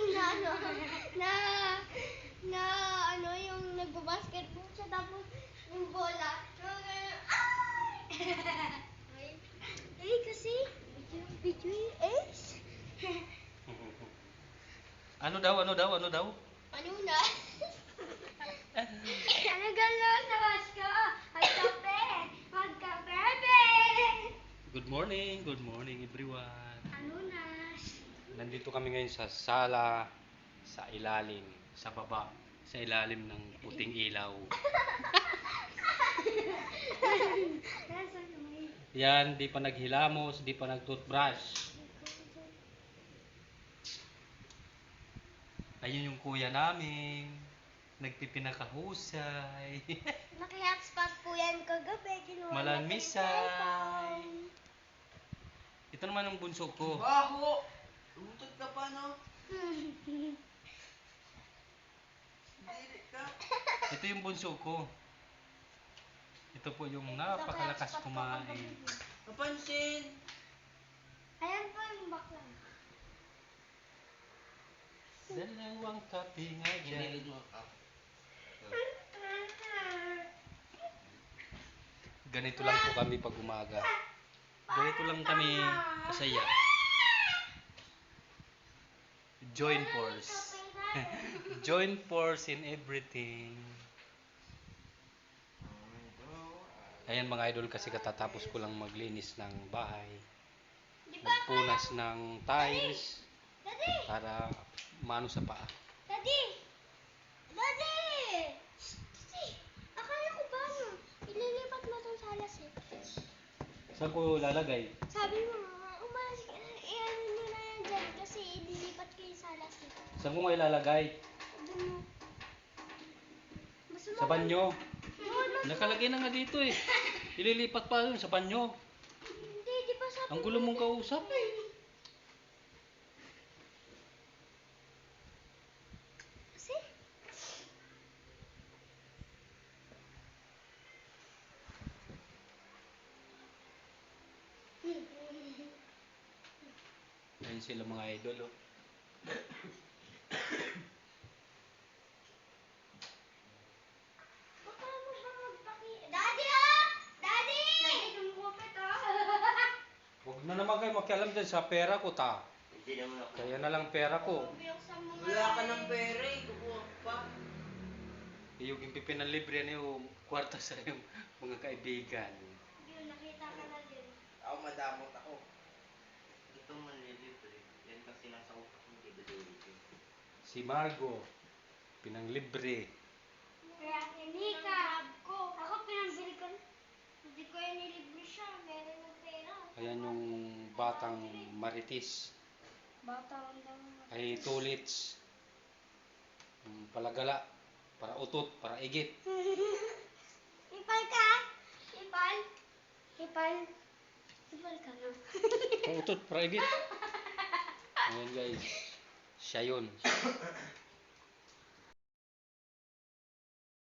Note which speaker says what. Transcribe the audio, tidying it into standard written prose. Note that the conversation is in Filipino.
Speaker 1: na ano, na, na ano, yung nagbabasketball siya, tapos yung bola, yung ay! Ay, kasi, video yung ace.
Speaker 2: Ano daw?
Speaker 1: Ano na? Ano gano'n sa Wasko? Magka-bebe!
Speaker 2: Good morning everyone.
Speaker 1: Ano na?
Speaker 2: Nandito kami ngayon sa sala, sa ilalim, sa baba, sa ilalim ng puting ilaw. Yan, di pa naghilamos, di pa nag-toothbrush. Ayun yung kuya namin, nagpipinakahusay.
Speaker 1: Naki-hotspot po yan kagabi. Kinuha
Speaker 2: Malamisay.
Speaker 1: natin
Speaker 2: Ito naman ang bunso ko.
Speaker 3: Baho! Umutot ka pa, no?
Speaker 1: yung cellphone.
Speaker 3: Dili ka.
Speaker 2: Ito yung bunso ko. Ito po yung napakalakas kumain.
Speaker 3: Kapansin!
Speaker 1: Ayan po yung bakla.
Speaker 2: Dalawang kape nga dyan.
Speaker 3: Mo ka.
Speaker 2: Ganito lang po kami pag umaga. Ganito lang kami kasaya. Join force. Join force in everything. Ayan mga idol, kasi katatapos ko lang maglinis ng bahay. Magpunas ng tiles
Speaker 1: Daddy!
Speaker 2: para mano sa paa.
Speaker 1: Daddy! Daddy! Akala ko ba no? Ililipat mo itong salas eh.
Speaker 2: Saan ko lalagay?
Speaker 1: Sabi mo, umalas ka na. Iyan mo na yan dyan kasi ililipat ko yung salas eh.
Speaker 2: Saan ko nga ilalagay?
Speaker 1: Doon mo. Basta
Speaker 2: Sa banyo.
Speaker 1: Doon mo.
Speaker 2: Nakalagay na nga dito eh. Ililipat pa yun sa banyo.
Speaker 1: Hindi, di ba sabi
Speaker 2: Ang gulo mong kausap.
Speaker 1: Kasi?
Speaker 2: Ayun sila mga idol oh.
Speaker 1: Baka mo ba magpaki... Daddy ah! Daddy! Daddy, kumukupit ah.
Speaker 2: Huwag na naman kayo makialam dyan sa pera ko ta.
Speaker 3: Hindi naman ako.
Speaker 2: Kaya na lang pera ko.
Speaker 1: Bubuksan mo nga.
Speaker 3: Wala ka ng pera eh. Kukuha pa.
Speaker 2: Yung pipinalibre na yung kwarta sa yung mga kaibigan.
Speaker 1: Yun, nakita ka na din.
Speaker 3: Ako madamot ako. Ito manlilibre. Yan kasi nasa utak mo. Hindi ba dilibre?
Speaker 2: Si Margo, pinanglibre.
Speaker 1: Kaya Nika, ako pinambili ko. Hindi ko yung nilibre siya. Meron ng pera.
Speaker 2: Ayan yung batang maritis.
Speaker 1: Bata ang daw.
Speaker 2: Ay tulits. Palagala. Para utot, para igit.
Speaker 1: Ipal ka? Ipal? Ipal? Ipal ka na.
Speaker 2: Para utot, para igit. Ayan guys. Siya yun.